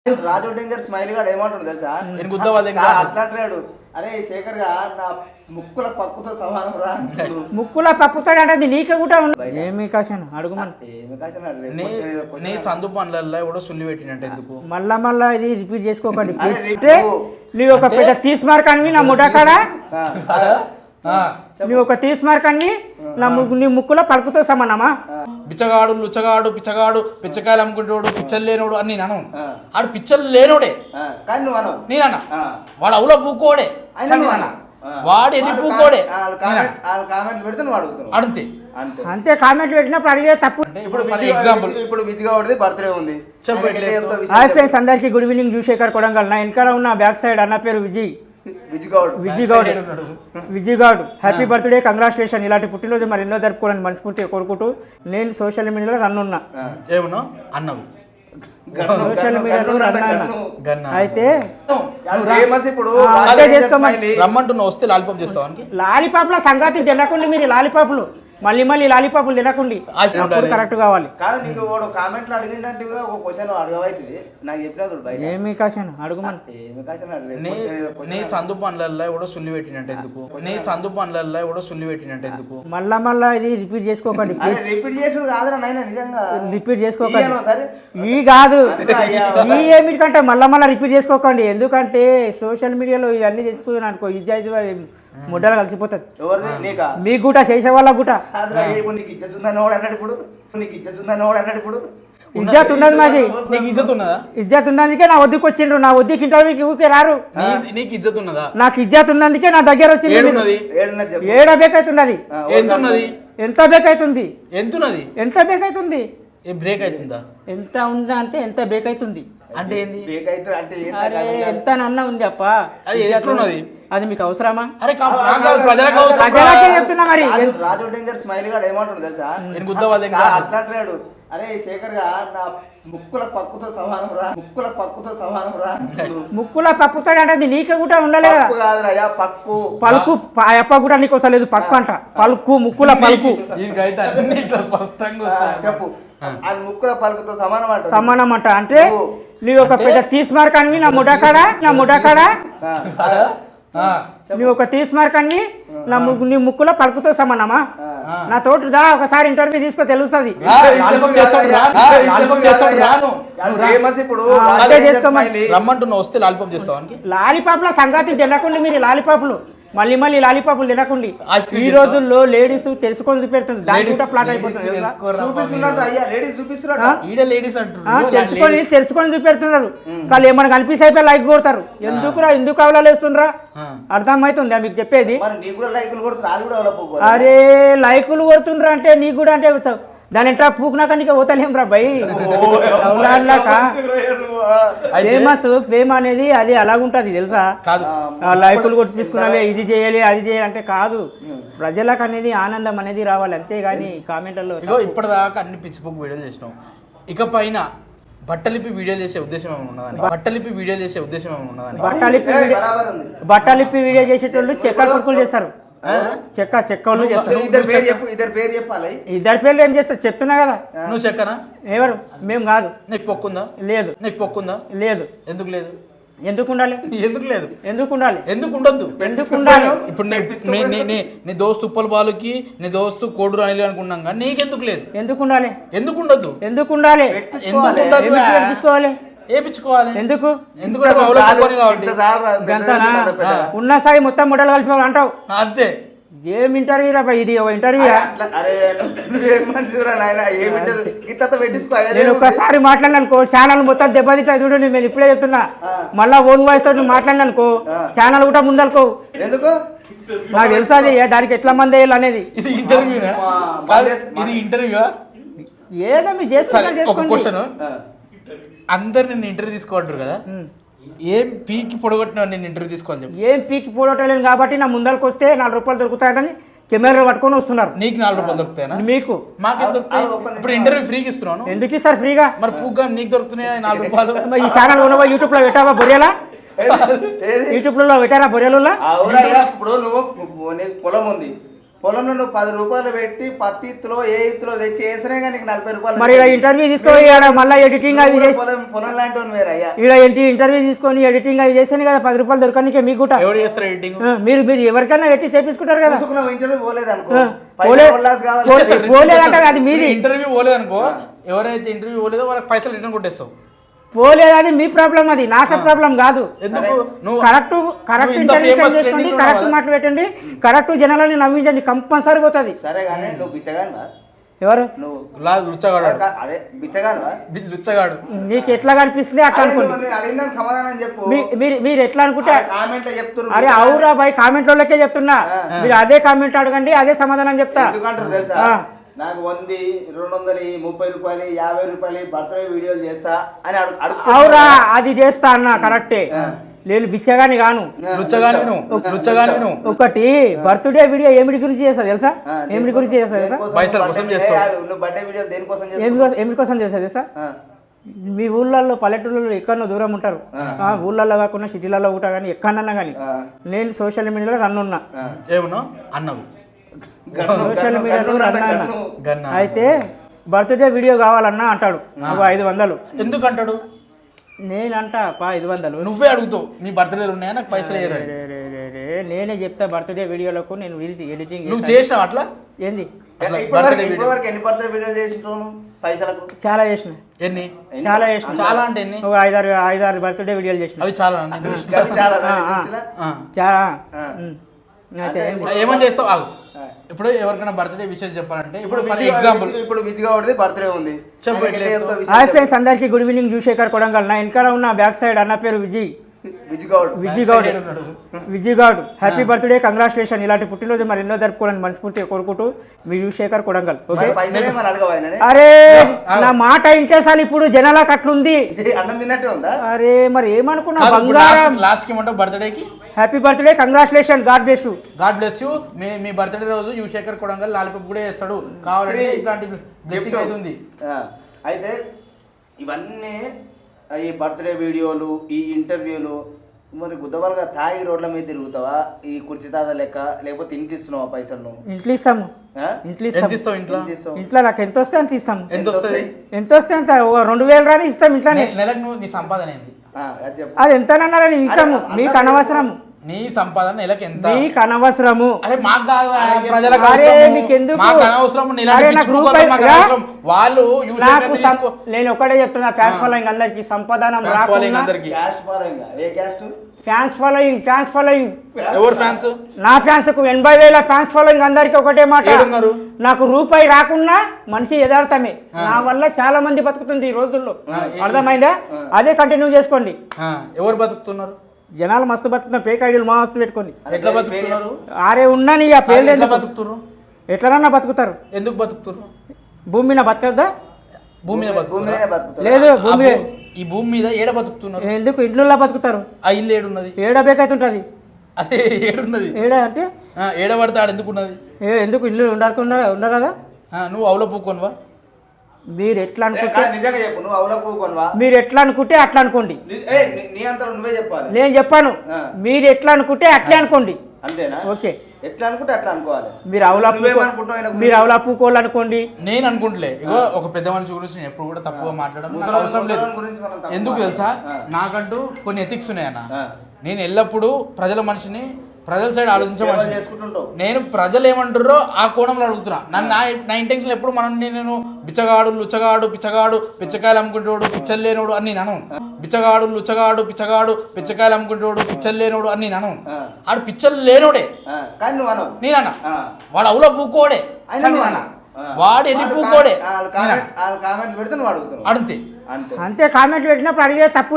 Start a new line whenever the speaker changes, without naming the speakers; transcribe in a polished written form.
రాజు danger smile గాడు ఏమంటాడు తెలుసా? అట్లా అంటున్నాడు, అరే శేఖర్ గా నా ముక్కుల పప్పుతో సమానం రా.
ముక్కుల పప్పుతో అంటే నీకే కూడా ఏమి కాశాను అడుగుమని
నీ సందు పనులలో కూడా సుల్లి పెట్టినట్టు ఎందుకు
మళ్ళా ఇది రిపీట్ చేసుకోకండి. నువ్వు ఒక పెద్ద తీసి మార్క్ అని నా ముఠాకాడ నువ్వు ఒక తీసి మార్క్ అని నీ ముక్కులో పలుకుతో సమానమా?
బిచ్చగాడు లుచ్చగాడు పిచ్చగాడు పిచ్చకాయలు అమ్ముకుంటాడు పిచ్చలు లేనోడు అని నేను అను. ఆడు పిచ్చలు లేనోడే నేనన్నా, వాడు అవులో పూకోడే వాడు ఎర్రి పూకోడే అడితే
అంతే. కామెంట్లు పెట్టినప్పుడు అడిగే తప్పు.
ఇప్పుడు విజయవాడది బర్త్డే ఉంది.
హాయ్ ఫ్రెండ్స్, అందరికీ గుడ్ ఈవినింగ్. జూశేఖర్ కొడంగల్. నా వెనకాల ఉన్న బ్యాక్ సైడ్ అన్న పేరు విజయగౌడ్. Happy birthday, congratulation. ఇలాంటి పుట్టినరోజు మరి ఎన్నో జరుపుకోవాలని మనస్ఫూర్తిగా కోరుకుంటూ నేను సోషల్ మీడియాలో రన్ ఉన్నా. సోషల్ మీడియాలో రన్ అయితే
రమ్మంటున్నా వస్తే లాలీపాప్ చేస్తావు.
లాలీపాప్ల సంగతి తినకుండా మీరు లాలీపాప్లు మళ్ళీ లాలీపాపులు తినకండి. కరెక్ట్ కావాలి. ఏమి కాశాను అడుగుమని
నీ సందు పనులలో కూడా సుల్లి పెట్టినట్టు ఎందుకు? నీ సందు పనులలో కూడా సుల్లి పెట్టినట్టు ఎందుకు?
మళ్ళా ఇది రిపీట్ చేసుకోకండి.
రిపీట్ చేసుడు కాదురా నాయనా, నిజంగా
రిపీట్ చేసుకోకండి. ఈ కాదు ఈ ఏమిటికంటే మళ్ళా రిపీట్ చేసుకోకండి. ఎందుకంటే సోషల్ మీడియాలో ఇవన్నీ చేసుకున్నాను అనుకో, ఇది ముడ్డలు కలిసిపోతుంది. మీకు గుట చేసే వాళ్ళ గుట
ఇజ్జత్
ఉన్నది మాది.
నీకు ఇజ్జత్ ఉన్నదా?
ఇజ్జత్ ఉన్నందుకే నా వద్దకు వచ్చిండ్రు. నా వద్దకు ఇంటర్వ్యూకి ఊరికే రారు.
నీకు ఇజ్జత్ ఉన్నదా?
నాకు ఇజ్జత్ ఉన్నందుకే నా దగ్గర వచ్చింది. ఏడ బేకైతున్నది. ఎంత బేకైతుంది? ఎంత బేకైతుంది?
బ్రేక్ అవుతుందా?
ఎంత ఉందా అంటే ఎంత బ్రేక్ అవుతుంది
అంటే ఏంది?
అరే ఎంత అన్న ఉంది అప్ప. అది మీకు అవసరమా?
అరే
చెప్తున్నా మరి.
రాజు డేంజర్ స్మైల్ గాడు ఏమంటాడు తెలుసా? అట్లా అంటున్నాడు, అరే శేఖర్ గా నా ముక్కుల పప్పుతో సమానం రా.
ముక్కుల పప్పుతో అంటే నీకే కూడా ఉండలేదు. పలుకు అప్ప కూడా నీకు వస్తలేదు. పక్కు అంట పలుకు, ముక్కుల పలుకు.
చెప్పు, ముక్కుల పలుకుతో
సమానం అంట. అంటే నువ్వు ఒక పెద్ద తీసి మార్క్ అని నా ముఠాకాడ నువ్వు ఒక తీసి మార్క్ అని నీ ముక్కులో పలుకుతో సమానమా? నా తోటి దా ఒకసారి ఇంటర్వ్యూ తీసుకో, తెలుస్తుంది.
రమ్మంటున్నా వస్తే లాలీపాప్ చేస్తావు.
లాలీపాప్ల సంగతి తినకండి మీరు లాలీపాప్లు మళ్ళీ లాలీపాపులు తినకండి. ఈ రోజుల్లో లేడీస్ తెలుసుకొని చూపెడుతుంది. తెలుసుకొని చూపెడుతున్నారు. వాళ్ళు ఏమైనా కనిపిస్తే అయిపోయి లైక్ కొడతారు. ఎందుకు అవలేస్తుండ్రా? అర్థమవుతుందా మీకు చెప్పేది? అరే లైకులు కొడుతుండ్రా అంటే నీకు కూడా అంటే దాని ఎంట పూకునాక పోతలేం రా భయ్. ప్రేమ అనేది అది అలాగుంటది తెలుసా? లైకులు కొట్టించుకున్నాలి, ఇది చేయాలి అది చేయాలి అంటే కాదు. ప్రజలకు అనేది ఆనందం అనేది రావాలి, అంతేగాని కామెంట్లలో.
ఇప్పటిదాకా అన్ని పిచ్చిపోకు వీడియోలు చేసినాం. ఇక పైన బట్టలిప్పి వీడియో చేసే ఉద్దేశం ఏమైనా ఉన్నదని?
బట్టలిప్పి వీడియో చేసేటోళ్ళు చెక్క కుర్కులు చేస్తారు. చెక్కలు
ఇద్దరు
పేర్లు ఏం చేస్తారు చెప్తున్నా కదా.
నువ్వు చెక్కనా?
ఎవరు? మేము కాదు.
నీకు పొక్కుందా?
లేదు.
నీకు పొక్కుందా?
లేదు.
ఎందుకు లేదు?
ఎందుకు ఉండాలి?
ఎందుకు లేదు?
ఎందుకు ఉండాలి?
ఎందుకు ఉండొద్దు?
ఎందుకు ఉండాలి?
ఇప్పుడు నీ దోస్తు ఉప్పల బాలుకి నీ దోస్తు కోడు రాని అనుకున్నాం కానీ నీకెందుకు లేదు?
ఎందుకు ఉండాలి?
ఎందుకు ఉండొద్దు?
ఎందుకు ఉండాలి? తీసుకోవాలి.
ఏపించుకోవాలి.
ఎందుకు?
ఎందుకు
ఉన్న సాయి మొత్తం ముడలు కలిసి అంటావు.
అంతే.
ఏం ఇంటర్వ్యూ రా ఇది? ఇంటర్వ్యూ నేను ఒక్కసారి మాట్లాడిననుకో ఛానల్ మొత్తం దెబ్బతింటా. చూడు నేను ఇప్పుడే చెప్తున్నా. మళ్ళా ఓన్ వాయిస్ తోటి మాట్లాడిననుకో ఛానల్ కూడా ముందనుకో. నాకు తెలుసా దానికి ఎట్లా మంది వేయాలి అనేది.
ఇది ఇంటర్వ్యూ
ఏదో మీరు చేస్తున్నా.
అందరు నిన్ను ఇంటర్వ్యూ తీసుకోవట్రు కదా, ఏం పీకి పొడగొట్టినా నేను ఇంటర్వ్యూ తీసుకోవాలి చెప్పు.
ఏం పీకి పొడగొట్టలేను కాబట్టి నా ముందరకు వస్తే 4 రూపాయలు దొరుకుతాయని కెమెరా పట్టుకొని వస్తున్నారు.
నీకు 4 రూపాయలు దొరుకుతాయనా?
మీకు
మాకేం దొరుకుతాయి? ఇప్పుడు ఇంటర్వ్యూ ఫ్రీకి ఇస్తున్నాను.
ఎందుకు ఇస్తారు ఫ్రీగా?
మరి పూగా నీకు దొరుకుతున్నాయి 4 రూపాయలు.
ఈ ఛానల్ ఉన్నవా? యూట్యూబ్ లో పెట్టావా బొరియలా? యూట్యూబ్ లో పెట్టారా బొరియలు?
ఇప్పుడు నువ్వు పొలం ఉంది, పొలంలో నువ్వు 10 రూపాయలు పెట్టి పత్తి ఇత్తులో ఏ ఇత్తులో తెచ్చి వేసినా కానీ నీకు 40 రూపాయలు
మరి ఇలా ఇంటర్వ్యూ తీసుకొని మళ్ళీ ఎడిటింగ్ అవి చేసి
పొలం లాంటి వాడు వేరే అయ్యా.
ఇలా ఇంటర్వ్యూ తీసుకొని ఎడిటింగ్ అవి చేస్తేనే కదా 10 రూపాయలు దొరకనికే మీకు కూడా.
ఎవరు చేస్తారు ఎడిటింగ్?
మీరు ఎవరికైనా పెట్టి చేపించుకుంటారు కదా.
ఇంటర్వ్యూ పోలేదు అనుకో,
పోలేదంటే అది మీది.
ఇంటర్వ్యూ పోలేదు అనుకో, ఎవరైతే ఇంటర్వ్యూ పోలేదో వాళ్ళకి పైసలు రిటర్న్ కొట్టేస్తావు.
పోలేదు, అది మీ ప్రాబ్లం, అది నా ప్రాబ్లం కాదు.
ఎందుకు నువ్వు
కరెక్ట్ ఇంటర్వ్యూ చేసుకోండి, కరెక్ట్ మాటలు పెట్టండి, కరెక్ట్ జనాలని నవ్వించండి, కంపల్సరీ పోతుంది.
సరే కానీ నువ్వు బిచ్చగాను
ఎవరు
నువ్వు?
లుచ్చగాడు.
అరే బిచ్చగాను
లుచ్చగాడు.
నీకు ఎట్లా కనిపిస్తుంది అట్లా అనుకోండి.
అడిగిన సమాధానం చెప్పు.
మీరు ఎట్లా అనుకుంటే
కామెంట్ చెప్తారు.
అరే అవురా బాయ్, కామెంట్ వాళ్ళకే చెప్తున్నా, మీరు అదే కామెంట్ అడగండి, అదే సమాధానం చెప్తా.
ఎందుకంటారు తెలుసా? నాకు 100, 200, 30 రూపాయలు, 50 రూపాయలు బర్త్డే వీడియోలు చేస్తా అని
అవురా, అది చేస్తా అన్న కరెక్టే. నేను బిచ్చగాని గాను, ఒకటి బర్త్డే వీడియో ఏమిటి గురించి చేస్తా తెలుసా? ఏమిటి గురించి చేస్తా తెలుసా? ఏమిటి కోసం చేస్తా తెలుసా? మీ ఊళ్ళల్లో పల్లెటూళ్ళలో ఎక్కడో దూరం ఉంటారు, ఊళ్ళల్లో కాకుండా సిటీలలో కూడా కానీ ఎక్కడన్నా కానీ నేను సోషల్ మీడియాలో రన్ ఉన్నా.
అన్నవి
సోషల్ మీడియాలో రన్ అయితే బర్త్డే వీడియో కావాలన్నా అంటాడు 500.
ఎందుకు అంటాడు?
నేనంట 500.
నువ్వే అడుగుతావు మీ బర్త్డేలు ఉన్నాయా నాకు పైసలు వేయరు.
నేనే చెప్తా బర్త్డే వీడియోలకు నేను ఎడిటింగ్.
నువ్వు చేసినావు అట్లా?
ఏంది
ఎన్ని బర్త్డే వీడియోలు చేసినావు పైసలకు?
చాలా చేసిన.
ఎన్ని?
చాలా చేసిన.
చాలా అంటే ఎన్ని?
5-6 బర్త్డే వీడియోలు చేసిన.
అవి చాలా
చాలా.
అయితే ఏమని చేస్తావు? ఆగు. ఇప్పుడు ఎవరికైనా బర్త్డే విషయం చెప్పాలంటే ఇప్పుడు ఎగ్జాంపుల్
ఇప్పుడు విజయవాడది బర్త్డే ఉంది.
హాయ్ ఫ్రెండ్స్, అందరికి గుడ్ ఈవినింగ్. జూశేఖర్ కొడంగల్. నా వెనకాల ఉన్న బ్యాక్ సైడ్ అన్న పేరు Vijay Goud. Happy birthday, congratulation. ఇలాంటి పుట్టినరోజు మరి ఎన్నో జరుపుకోవాలని మనస్ఫూర్తిగా కోరుకుంటూ మీ జూశేఖర్ కొడంగల్. ఓకే. అరే నా మాట ఇంటే సార్ ఇప్పుడు జనాలకు అట్లుంది. అరే మరి ఏమనుకున్నా బంగారం.
లాస్ట్ కి ఏమంటావు బర్త్డేకి?
Happy birthday, congratulation, God bless you.
God bless you. మీ బర్త్డే రోజు యువశేఖర్ కొడంగల్ లాలిపప్పు కూడా చేస్తాడు. కావాలంటే ఇట్లాంటి బ్లెస్సింగ్ అవుతుంది.
అయితే ఇవన్నీ ఈ బర్త్డే వీడియోలు, ఈ ఇంటర్వ్యూలు, మరి గుద్దవాళ్ళగా తాగి రోడ్ల మీద తిరుగుతావా ఈ కుర్చీ తాత లెక్క, లేకపోతే ఇంట్లో ఇస్తున్నావా పైసలు?
ఇంట్లో ఇస్తాము. ఇంట్లో నాకు ఎంత వస్తే అంత ఇస్తాము. ఎంత వస్తే అంత 2000 రాని ఇస్తాం. ఇంట్లో
నెలకు నీ సంపాదన ఏంది?
అది ఎంతనన్నారని ఇస్తాము. మీకు అనవసరము.
నీ సంపాదన నెలకు ఎంత? మీకు
అనవసరము.
అరే మాకు కాదు, వాళ్ళు.
నేను ఒకటే చెప్తున్నా, ఫ్యాన్స్ ఫాలోయింగ్ అందరికి సంపాదన. ఫ్యాన్స్ ఫాలోయింగ్
ఎవరు ఫ్యాన్స్?
నా ఫ్యాన్స్ కు 80,000 ఫ్యాన్స్ ఫాలోయింగ్ అందరికి ఒకటే మాట. నాకు రూపాయి రాకున్నా మనిషి యథార్థమే. నా వల్ల చాలా మంది బతుకుతుంది ఈ రోజుల్లో. అర్థమైందా? అదే కంటిన్యూ చేసుకోండి.
ఎవరు బతుకుతున్నారు?
జనాలు మస్తు బతుకుతున్నారు. ఫేక్ ఐడియాలు మస్తు పెట్టుకోండి.
ఎట్లా బతుకుతున్నారు?
ఆరే ఉన్నాను ఇక పేర్లు.
ఎట్లా బతుకుతున్నారు?
ఎట్లనన్నా బతుకుతారు.
ఎందుకు బతుకుతున్నారు?
భూమి మీద బతకద్దా?
భూమి మీద బతుకుతారు.
లేదు, భూమి
ఈ భూమి మీద ఏడ బతుకుతున్నారు?
ఎందుకు ఇంట్లో బతుకుతారు?
ఆ ఇల్లు ఏడున్నది?
ఏడ బేకైతుంటది.
అదే ఏడున్నది.
ఏడ అంటే
ఏడ పడితే ఆడ ఎందుకు ఉన్నది?
ఎందుకు ఇల్లు ఉండరు కదా?
నువ్వు అవులో పూకోనువా?
మీరు ఎట్లా అనుకుంటే
నిజంగా చెప్పు, నువ్వు అవులో పూకోనువా?
మీరు ఎట్లా అనుకుంటే అట్లా అనుకోండి.
నీ అంతా నువ్వే చెప్పాలి.
నేను చెప్పాను. మీరు ఎట్లా అనుకుంటే అట్లే అనుకోండి.
అంతేనా?
ఓకే.
ఎట్లా అనుకుంటే అట్లా అనుకోవాలి.
మీరు అవులా పూకోవాలనుకోండి.
నేను అనుకుంటలే. ఇగో ఒక పెద్ద మనిషి గురించి నేను ఎప్పుడు కూడా తప్పుగా మాట్లాడడం అవసరం లేదు. ఎందుకు తెలుసా? నాకంటూ కొన్ని ఎథిక్స్ ఉన్నాయన్న. నేను ఎల్లప్పుడూ ప్రజల మనిషిని, ప్రజల సైడ్ ఆలోచించమని. నేను ప్రజలు ఏమంటారో ఆ కోణంలో అడుగుతున్నా. నా ఇంటెన్షన్ ఎప్పుడు నేను బిచ్చగాడు, లుచ్చగాడు, పిచ్చగాడు, పిచ్చకాయలు అమ్ముకుంటోడు, పిచ్చలు లేనోడు అని నేను అను. బిచ్చగాడు, లుచ్చగాడు, పిచ్చకాయలు అమ్ముకుంటోడు, పిచ్చలు లేనోడు అని నేను అను. ఆడు పిచ్చలు లేనోడే నేనన్నా. వాడు అవులో పూకోడే, వాడు ఎన్ని పూకోడే.
అంతే
అంతే కామెంట్లు పెట్టినప్పుడు అడిగే తప్పు